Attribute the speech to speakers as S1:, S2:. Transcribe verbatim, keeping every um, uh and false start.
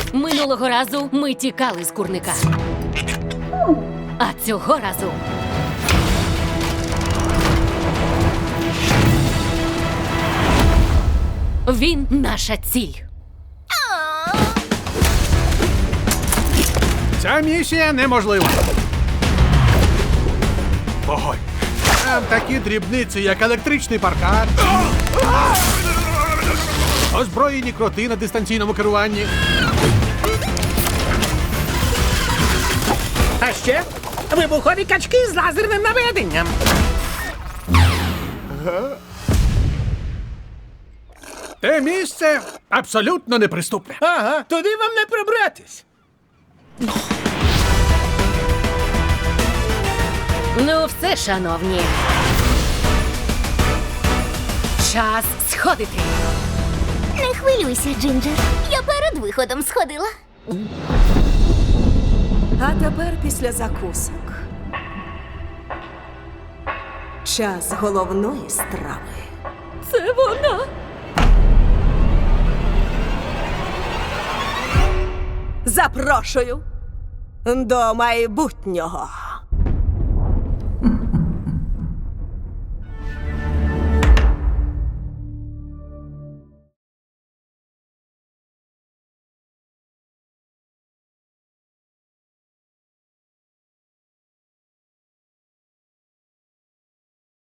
S1: Минулого разу ми тікали з курника. А цього разу він наша ціль.
S2: Ця місія неможлива. Вогонь. Там такі дрібниці, як електричний паркан, озброєні кроти на дистанційному керуванні.
S3: А ще вибухові качки з лазерним наведенням.
S2: Те місце абсолютно неприступне.
S3: Ага, туди вам не пробратись.
S1: Ну все, шановні. Час сходити.
S4: Не хвилюйся, Джинджер. Я перед виходом сходила.
S5: А тепер після закусок. Час головної страви.
S1: Це вона.
S5: Запрошую до майбутнього.